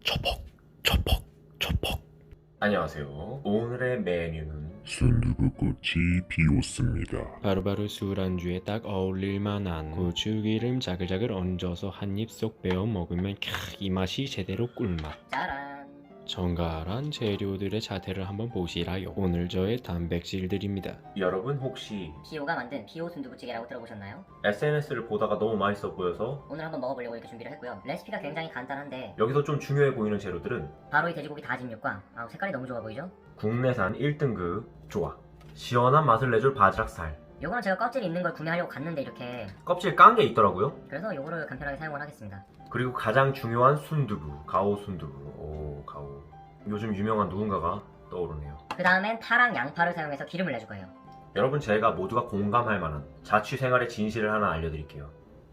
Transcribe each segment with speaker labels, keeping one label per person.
Speaker 1: 초폭 초폭 초폭.
Speaker 2: 안녕하세요. 오늘의 메뉴는
Speaker 1: 순두부꽃이 피었습니다.
Speaker 3: 바로바로 술안주에 딱 어울릴 만한 고추기름 자글자글 얹어서 한 입 쏙 베어 먹으면 이 맛이 제대로 꿀맛.
Speaker 4: 짜란.
Speaker 3: 정갈한 재료들의 자태를 한번 보시라요. 오늘 저의 단백질들입니다.
Speaker 2: 여러분 혹시
Speaker 4: 피오가 만든 피오 순두부찌개라고 들어보셨나요?
Speaker 2: SNS를 보다가 너무 맛있어 보여서
Speaker 4: 오늘 한번 먹어보려고 이렇게 준비를 했고요. 레시피가 굉장히 간단한데
Speaker 2: 여기서 좀 중요해 보이는 재료들은
Speaker 4: 바로 이 돼지고기 다진 육과 색깔이 너무 좋아 보이죠?
Speaker 2: 국내산 1등급 조화, 시원한 맛을 내줄 바지락살,
Speaker 4: 요거는 제가 껍질이 있는 걸 구매하려고 갔는데 이렇게
Speaker 2: 껍질 깐 게 있더라고요.
Speaker 4: 그래서 요거를 간편하게 사용을 하겠습니다.
Speaker 2: 그리고 가장 중요한 순두부, 가오 순두부. 오, 가오. 요즘 유명한 누군가가 떠오르네요.
Speaker 4: 그 다음엔 파랑 양파를 사용해서 기름을 내줄 거예요.
Speaker 2: 여러분, 제가 모두가 공감할 만한 자취 생활의 진실을 하나 알려드릴게요.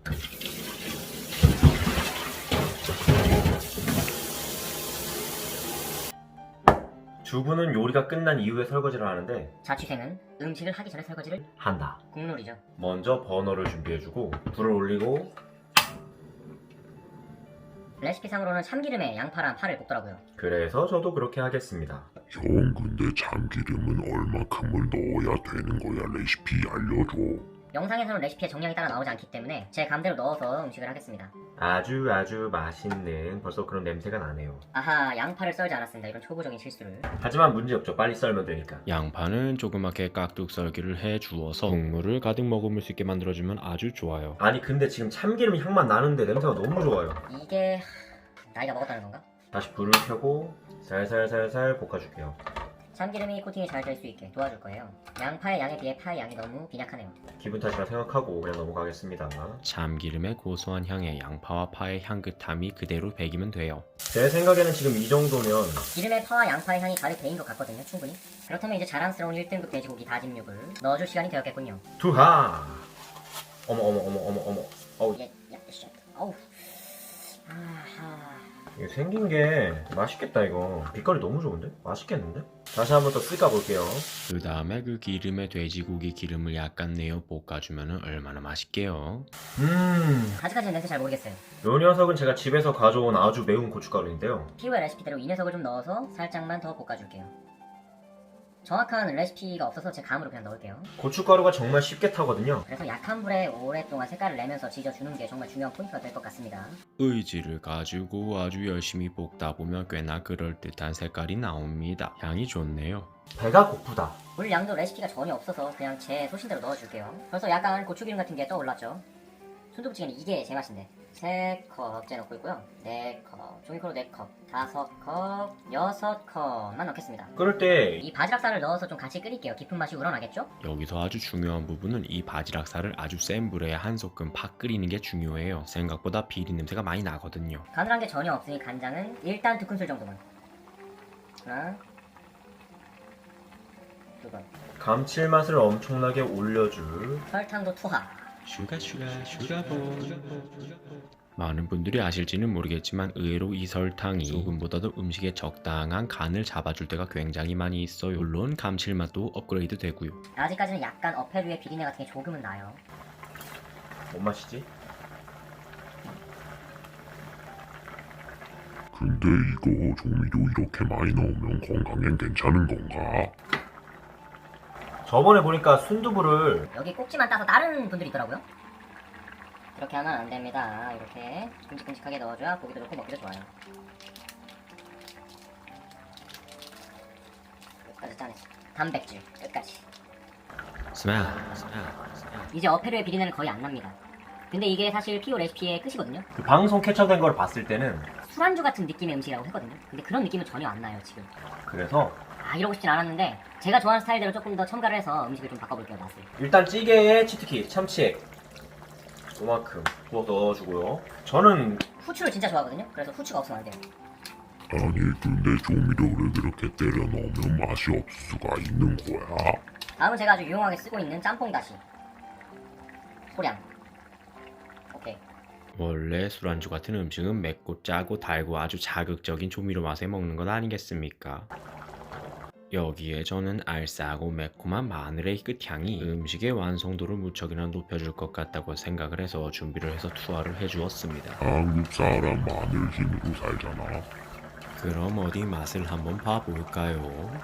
Speaker 2: 주부는 요리가 끝난 이후에 설거지를 하는데
Speaker 4: 자취생은 음식을 하기 전에 설거지를
Speaker 2: 한다.
Speaker 4: 국룰이죠.
Speaker 2: 먼저 버너를 준비해주고 불을 올리고
Speaker 4: 레시피상으로는 참기름에 양파랑 파를 볶더라고요.
Speaker 2: 그래서 저도 그렇게 하겠습니다.
Speaker 1: 형, 근데 참기름은 얼마큼을 넣어야 되는 거야? 레시피 알려줘.
Speaker 4: 영상에서는 레시피에 정량이 따라 나오지 않기 때문에 제 감대로 넣어서 음식을 하겠습니다.
Speaker 2: 아주 맛있는 벌써 그런 냄새가 나네요.
Speaker 4: 아하, 양파를 썰지 않았습니다. 이런 초보적인 실수를.
Speaker 2: 하지만 문제없죠. 빨리 썰면 되니까.
Speaker 3: 양파는 조그맣게 깍둑 썰기를 해 주어서 국물을 가득 머금을 수 있게 만들어주면 아주 좋아요.
Speaker 2: 아니 근데 지금 참기름 향만 나는데 냄새가 너무 좋아요.
Speaker 4: 이게 나이가 먹었다는 건가?
Speaker 2: 다시 불을 켜고 살살살살 볶아줄게요.
Speaker 4: 참기름이 코팅이 잘 될 수 있게 도와줄 거예요. 양파의 양에 비해 파의 양이 너무 빈약하네요.
Speaker 2: 기분 탓이라 생각하고 그냥 넘어가겠습니다.
Speaker 3: 참기름의 고소한 향에 양파와 파의 향긋함이 그대로 배기면 돼요.
Speaker 2: 제 생각에는 지금 이 정도면
Speaker 4: 기름에 파와 양파의 향이 가득 배인 것 같거든요. 충분히. 그렇다면 이제 자랑스러운 1등급 돼지고기 다짐육을 넣어줄 시간이 되었겠군요.
Speaker 2: 두하. 어머. 어우,
Speaker 4: 예, 야, 쉣. 어우. 아하.
Speaker 2: 이게 생긴 게 맛있겠다 이거. 빛깔이 너무 좋은데? 맛있겠는데? 다시 한번 더 쓸까 볼게요.
Speaker 3: 그 다음에 그 기름에 돼지고기 기름을 약간 내어 볶아주면 얼마나 맛있게요.
Speaker 4: 아직까지는 냄새 잘 모르겠어요.
Speaker 2: 요 녀석은 제가 집에서 가져온 아주 매운 고춧가루인데요.
Speaker 4: 피오의 레시피대로 이 녀석을 좀 넣어서 살짝만 더 볶아줄게요. 정확한 레시피가 없어서 제 감으로 그냥 넣을게요.
Speaker 2: 고춧가루가 정말 쉽게 타거든요.
Speaker 4: 그래서 약한 불에 오랫동안 색깔을 내면서 지져주는 게 정말 중요한 포인트가 될 것 같습니다.
Speaker 3: 의지를 가지고 아주 열심히 볶다 보면 꽤나 그럴듯한 색깔이 나옵니다. 향이 좋네요.
Speaker 2: 배가 고프다.
Speaker 4: 물 양도 레시피가 전혀 없어서 그냥 제 소신대로 넣어줄게요. 벌써 약간 고추기름 같은 게 떠올랐죠. 순두부찌개는 이게 제 맛인데 3컵째 넣고 있고요. 4컵, 종이컵으로 4컵, 5컵, 6컵만 넣겠습니다.
Speaker 2: 끓을 때
Speaker 4: 이 바지락살을 넣어서 좀 같이 끓일게요. 깊은 맛이 우러나겠죠?
Speaker 3: 여기서 아주 중요한 부분은 이 바지락살을 아주 센 불에 한 소끔 팍 끓이는 게 중요해요. 생각보다 비린 냄새가 많이 나거든요.
Speaker 4: 가늘한 게 전혀 없으니 간장은 일단 2큰술 정도만. 하나, 2번.
Speaker 2: 감칠맛을 엄청나게 올려줄
Speaker 4: 설탕도 투하.
Speaker 3: 슈가볼. 많은 분들이 아실지는 모르겠지만 의외로 이 설탕이 소금보다도 음식에 적당한 간을 잡아줄 때가 굉장히 많이 있어요. 물론 감칠맛도 업그레이드 되고요.
Speaker 4: 아직까지는 약간 어패류의 비린내 같은 게 조금은 나요.
Speaker 2: 뭔 맛이지?
Speaker 1: 근데 이거 조미료 이렇게 많이 넣으면 건강엔 괜찮은 건가?
Speaker 2: 저번에 보니까 순두부를
Speaker 4: 여기 꼭지만 따서 다른 분들이 있더라고요. 그렇게 하면 안 됩니다. 이렇게 큼직큼직하게 넣어줘야 보기도 좋고 먹기도 좋아요. 끝까지 짜냈어. 단백질 끝까지.
Speaker 3: 스멜.
Speaker 4: 이제 어패류의 비린내는 거의 안 납니다. 근데 이게 사실 피오 레시피의 끝이거든요.
Speaker 2: 그 방송 캡처된 걸 봤을 때는
Speaker 4: 술안주 같은 느낌의 음식이라고 했거든요. 근데 그런 느낌은 전혀 안 나요 지금.
Speaker 2: 그래서
Speaker 4: 이러고 싶진 않았는데 제가 좋아하는 스타일대로 조금 더 첨가를 해서 음식을 좀 바꿔볼게요. 맛을.
Speaker 2: 일단 찌개에 치트키, 참치액 요만큼 부어 넣어주고요. 저는
Speaker 4: 후추를 진짜 좋아하거든요. 그래서 후추가 없으면 안 돼요.
Speaker 1: 아니, 근데 조미료를 그렇게 때려 넣으면 맛이 없을 수가 있는 거야?
Speaker 4: 다음은 제가 아주 유용하게 쓰고 있는 짬뽕 다시. 소량. 오케이.
Speaker 3: 원래 술안주 같은 음식은 맵고 짜고 달고 아주 자극적인 조미료 맛에 먹는 것 아니겠습니까? 여기에 저는 알싸하고 매콤한 마늘의 끝향이 음식의 완성도를 무척이나 높여줄 것 같다고 생각을 해서 준비를 해서 투하를 해주었습니다.
Speaker 1: 한국 사람 마늘 힘으로 살잖아.
Speaker 3: 그럼 어디 맛을 한번 봐볼까요?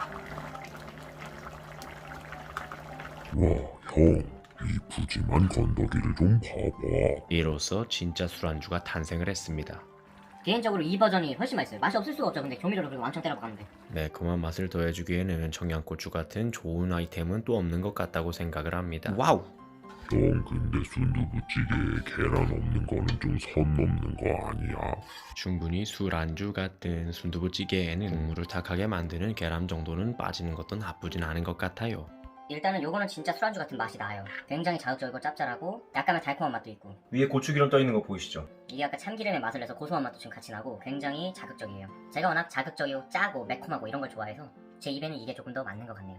Speaker 1: 와, 형, 이 푸짐한 건더기를 좀 봐봐.
Speaker 3: 이로써 진짜 술안주가 탄생을 했습니다.
Speaker 4: 개인적으로 이 버전이 훨씬 맛있어요. 맛이 없을 수가 없죠. 근데 조미료를 그리고 왕창 때려박았는데.
Speaker 3: 매콤한 맛을 더해주기에는 청양고추 같은 좋은 아이템은 또 없는 것 같다고 생각을 합니다. 와우!
Speaker 1: 형, 근데 순두부찌개에 계란 없는 거는 좀 선 넘는 거 아니야?
Speaker 3: 충분히 술안주 같은 순두부찌개에는 국물을 탁하게 만드는 계란 정도는 빠지는 것도 나쁘진 않은 것 같아요.
Speaker 4: 일단은 요거는 진짜 술안주 같은 맛이 나요. 굉장히 자극적이고 짭짤하고 약간의 달콤한 맛도 있고.
Speaker 2: 위에 고추기름 떠 있는 거 보이시죠?
Speaker 4: 이게 약간 참기름의 맛을 내서 고소한 맛도 좀 같이 나고 굉장히 자극적이에요. 제가 워낙 자극적이고 짜고 매콤하고 이런 걸 좋아해서 제 입에는 이게 조금 더 맞는 것 같네요.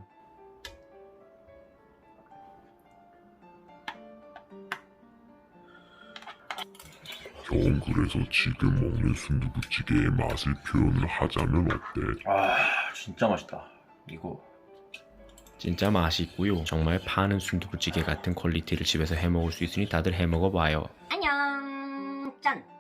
Speaker 1: 형, 그래서 지금 먹는 순두부찌개의 맛을 표현을 하자면 어때?
Speaker 2: 아 진짜 맛있다. 이거
Speaker 3: 진짜 맛있고요. 정말 파는 순두부찌개 같은 퀄리티를 집에서 해먹을 수 있으니 다들 해먹어봐요.
Speaker 4: 안녕 짠!